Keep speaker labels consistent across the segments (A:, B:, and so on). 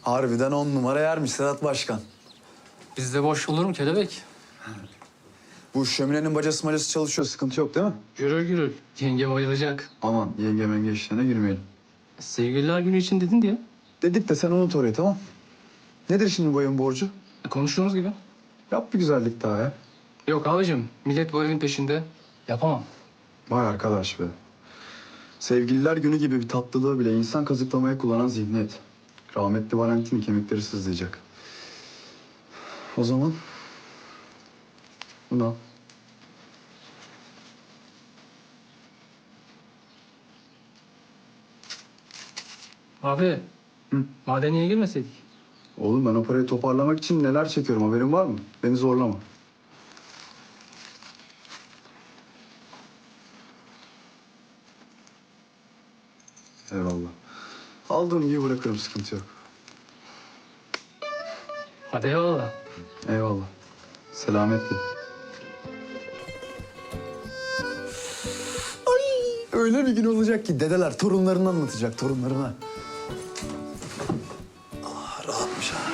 A: Harbiden 10 numara yermiş Sedat Başkan.
B: Bizde boş olur mu kelebek?
A: Bu şöminenin bacası çalışıyor. Sıkıntı yok değil mi?
B: Gürül gürül. Yenge bayılacak.
A: Aman yenge menge işlerine girmeyelim.
B: Sevgililer günü için dedin diye.
A: Dedik de sen unut orayı, tamam. Nedir şimdi bu evin borcu?
B: Konuştuğumuz gibi.
A: Yap bir güzellik daha ya.
B: Yok abicim, millet bu evin peşinde. Yapamam.
A: Vay arkadaş be. Sevgililer günü gibi bir tatlılığı bile insan kazıklamaya kullanan zihniyet. Rahmetli Valentin kemikleri sızlayacak. O zaman bunu al.
B: Abi, madeniye girmeseydik.
A: Oğlum ben o parayı toparlamak için neler çekiyorum, haberin var mı? Beni zorlama. Eyvallah. Aldığım gibi bırakırım, sıkıntı yok.
B: Hadi eyvallah.
A: Eyvallah. Selametle. Öyle bir gün olacak ki dedeler torunlarını anlatacak, torunlarına. Ah, rahatmış ha.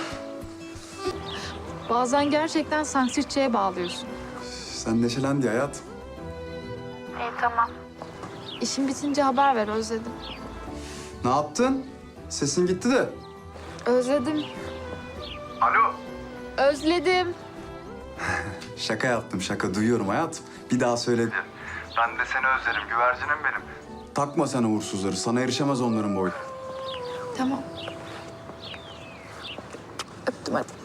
C: Bazen gerçekten santrikçiye bağlıyorsun.
A: Sen neşelen diye hayat.
C: İyi tamam. İşin bitince haber ver, özledim.
A: Ne yaptın? Sesin gitti de.
C: Özledim.
A: Alo.
C: Özledim.
A: Şaka yaptım, şaka. Duyuyorum hayatım. Bir daha söyle.
D: Ben de seni özlerim, güvercinim benim.
A: Takma sen uğursuzları. Sana erişemez onların boyu.
C: Tamam. Öptüm hadi.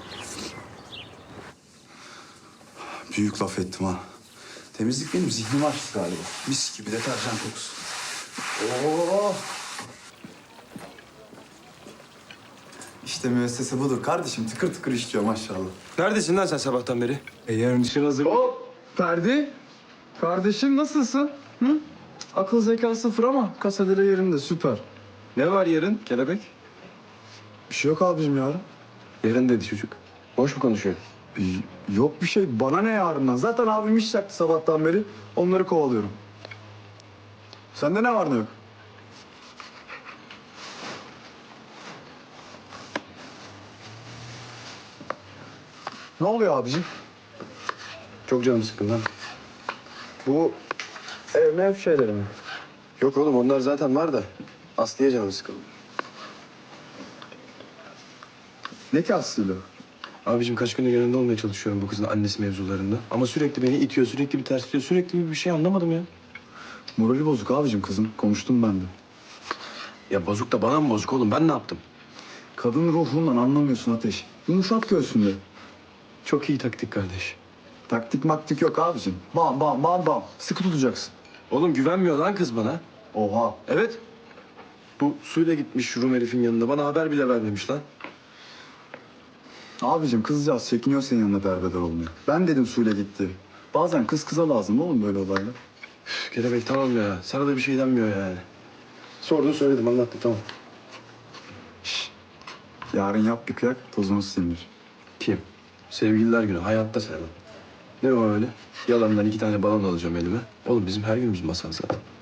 A: Büyük laf ettim ha. Temizlik benim zihnimi açtı galiba. Mis gibi deterjan kokusu. Oo. İşte müessese budur kardeşim. Tıkır tıkır işliyor maşallah.
D: Neredesin lan sen sabahtan beri?
A: Yarın için hazır. Hop! Ferdi. Kardeşim nasılsın? Hı? Akıl zeka sıfır ama kasadere yerinde, süper.
D: Ne var yarın kelebek?
A: Bir şey yok abicim yarın.
D: Yarın dedi çocuk. Boş mu konuşuyor?
A: Yok bir şey. Bana ne yarından? Zaten abim iş yaktı sabahtan beri. Onları kovalıyorum. Sende ne var ne yok? Ne oluyor abicim?
D: Çok canım sıkkın lan.
A: Bu ev şeyleri mi?
D: Yok oğlum onlar zaten var da. Aslı'ya canım sıkıldı.
A: Ne ki aslıyla?
D: Abicim kaç gündür yanında olmaya çalışıyorum bu kızın annesi mevzularında. Ama sürekli beni itiyor, sürekli bir tersliyor, sürekli bir şey anlamadım ya.
A: Morali bozuk abicim kızım. Konuştum ben de.
D: Ya bozuk da bana mı bozuk oğlum? Ben ne yaptım?
A: Kadın ruhundan anlamıyorsun Ateş. Yumuşat göğsünde.
D: Çok iyi taktik kardeş.
A: Taktik maktik yok abicim. Bam bam bam bam. Sıkı tutacaksın.
D: Oğlum güvenmiyor lan kız bana.
A: Oha.
D: Evet. Bu suyla gitmiş Rum herifin yanında. Bana haber bile vermemiş lan.
A: Abicim kızcağız çekiniyor senin yanında derbeder olmuyor. Ben dedim suyla gitti. Bazen kız kıza lazım oğlum böyle olaylar.
D: Üf, kelebek tamam ya. Sana da bir şey denmiyor yani. Sordun söyledim anlattım tamam.
A: Yarın yap bir kıyak tozunu silinir.
D: Kim? Sevgililer günü. Hayatta sevmem. Ne o öyle? Yalandan 2 tane balon alacağım elime. Oğlum bizim her günümüz masal zaten.